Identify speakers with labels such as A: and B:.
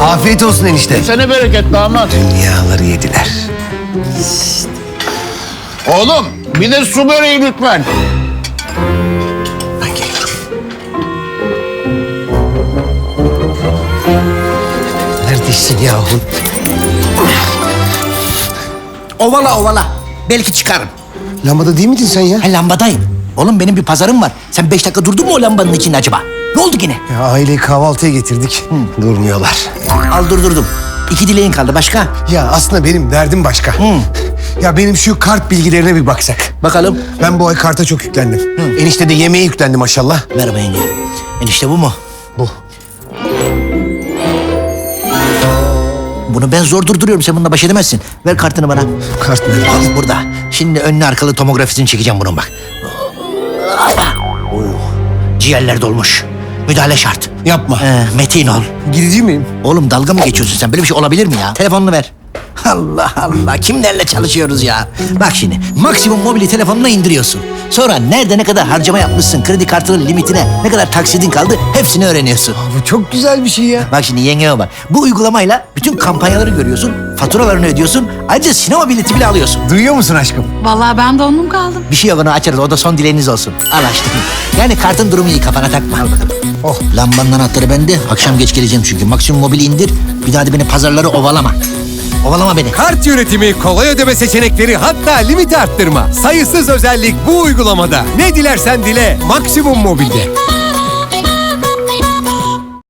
A: Afiyet olsun enişte.
B: Sene bereket damat.
A: Dünyaları yediler.
B: Oğlum bir de su böreği lütfen.
A: Ben geliyorum. Neredesin yahu?
C: Ovala ovala. Belki çıkarım.
A: Lambada değil miydin sen ya?
C: Ha, lambadayım. Oğlum benim bir pazarım var. Sen 5 dakika durdun mu o lambanın içinde acaba? Ne oldu yine?
A: Ya aileyi kahvaltıya getirdik. Durmuyorlar.
C: Al durdurdum. 2 dileğin kaldı. Başka?
A: Ya aslında benim derdim başka. Ya benim şu kart bilgilerine bir baksak.
C: Bakalım.
A: Ben bu ay karta çok yüklendim. Enişte de yemeğe yüklendi maşallah.
C: Merhaba yenge. Enişte bu mu?
A: Bu.
C: Bunu ben zor durduruyorum. Sen bununla baş edemezsin. Ver kartını bana.
A: Kart nerede?
C: Al burada. Şimdi önlü arkalı tomografisini çekeceğim bunun bak. Oh. Ciğerler dolmuş. Müdahale şart.
A: Yapma.
C: Metin ol.
A: Gidici miyim?
C: Oğlum dalga mı geçiyorsun sen? Böyle bir şey olabilir mi ya? Telefonunu ver. Allah Allah. Kimlerle çalışıyoruz ya? Bak şimdi. Maksimum mobili telefonuna indiriyorsun. Sonra nerede ne kadar harcama yapmışsın, kredi kartının limitine ne kadar taksidin kaldı hepsini öğreniyorsun.
A: Bu çok güzel bir şey ya.
C: Bak şimdi yengeme bak. Bu uygulamayla bütün kampanyaları görüyorsun, faturalarını ödüyorsun. Ayrıca sinema bileti bile alıyorsun.
A: Duyuyor musun aşkım?
D: Vallahi ben de onun kaldım.
C: Bir şey yok, onu açarız. O da son dileğiniz olsun. Al açtım. Yani kartın durumu iyi, kafana takma. Al bakalım.
A: Oh.
C: Lambanın anahtarı bende. Akşam geç geleceğim çünkü. Maksimum mobili indir. Bir daha da beni pazarları ovalama. Ovalama beni.
E: Kart yönetimi, kolay ödeme seçenekleri, hatta limit arttırma. Sayısız özellik bu uygulamada. Ne dilersen dile, Maksimum Mobil'de.